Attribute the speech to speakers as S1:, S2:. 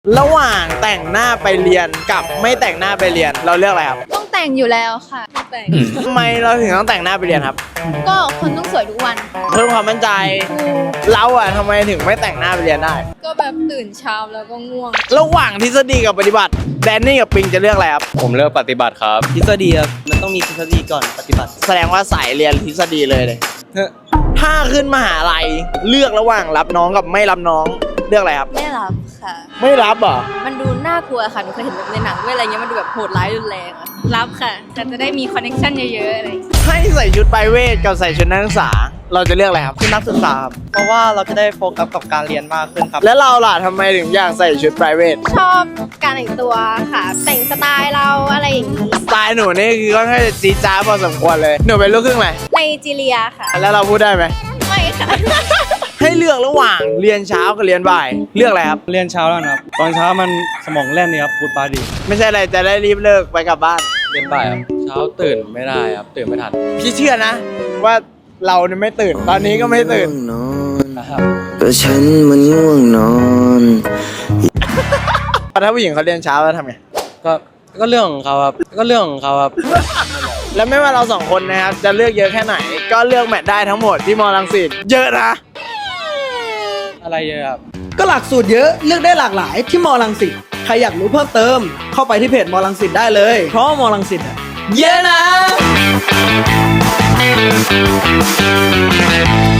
S1: ระหว่างแต่งหน้าไปเรียนกับไม่แต่งหน้าไปเรียนเราเลือกอะไรครับ
S2: ต้องแต่งอยู่แล้วค่ะแต่ง
S1: ทำไมเราถึงต้องแต่งหน้าไปเรียนครับ
S2: ก็คนต้องสวยทุกวัน
S1: เพิ่มความมั่นใจเราอะทำไมถึงไม่แต่งหน้าไปเรียนได้
S2: ก็แบบตื่นเช้าแล้วก็ง่วง
S1: ระหว่างทฤษฎีกับปฏิบัติแดนนี่กับปิงจะเลือกอะไรครับ
S3: ผมเลือกปฏิบัติครับ
S4: ทฤษฎีครับมันต้องมีทฤษฎีก่อนปฏิบัติ
S1: แสดงว่าสายเรียนทฤษฎีเลยถ้าขึ้นมหาลัยเลือกระหว่างรับน้องกับไม่รับน้องเลือกอะไรครับ
S2: ไม่รับค่ะ
S1: ไม่รับเหรอ
S2: มันดูน่ากลัวค่ะหนูเคยเห็นแบบในหนังด้วยอะไรเงี้ยมันดูแบบโหดร้ายรุนแรงอะรับค่ะแต่จะได้มีคอนเนคชั่นเยอะๆอะไร
S1: ให้ใส่ชุดไพรเวทกับใส่ชุดนักศึกษาเราจะเลือกอะไรครับ
S4: คือนักศึกษาครับเพราะว่าเราจะได้โฟกัสกับการเรียนมากขึ้นครับ
S1: แล้วเราล่ะทำไมถึงอยากใส่ชุดไพรเวท
S2: ชอบการแต่งตัวค่ะ แต่งสไตล์เราอะไรอย่างนี้
S1: สไตล์หนูนี่คือค่อนข้างจะจี๊ดจ๊าดพอสมควรเลยหนูเป็นลูกครึ่งอะไร
S2: ไนจีเรียค่ะ
S1: แล้วเราพูดได้ไหม
S2: ไม่ค่ะ
S1: ให้เลือกระหว่างเรียนเช้ากับเรียนบ่ายเลือกอะไรครับ
S3: เรียนเช้าแล้วนะครับ ตอนเช้ามันสมองแล่นนี่ครับพูดปาดี
S1: ไม่ใช่อะไรจะได้รีบเลิกไปกลับบ้าน
S3: เรียนบ่ายครับ เช้าตื่นไม่ได้ครับ ตื่นไม่ทัน
S1: พี่เชื่อนะ ว่าเราเนี่ยไม่ตื่นตอนนี้ก็ไม่ตื่น
S5: นอน
S3: นะครับ
S5: ก็ฉันมันง่วงนอน
S1: ถ้าผู้หญิงเขาเรียนเช้าแล้วทำไง
S3: ก็เรื่องของเขาครับ ก็เรื่องของเขาครับ
S1: แล้วไม่ว่าเราสองคนนะครับจะเลือกเยอะแค่ไหน ก็เลือกแมทได้ทั้งหมดที่มอลังสิตเยอะนะ
S3: อะไรเยอะครับ
S4: ก็หลักสูตรเยอะเลือกได้หลากหลายที่มอลังสิตใครอยากรู้เพิ่มเติม เข้าไปที่เพจมอลังสิตได้เลย เพราะว่ามอลังสิตอะเยอะนะ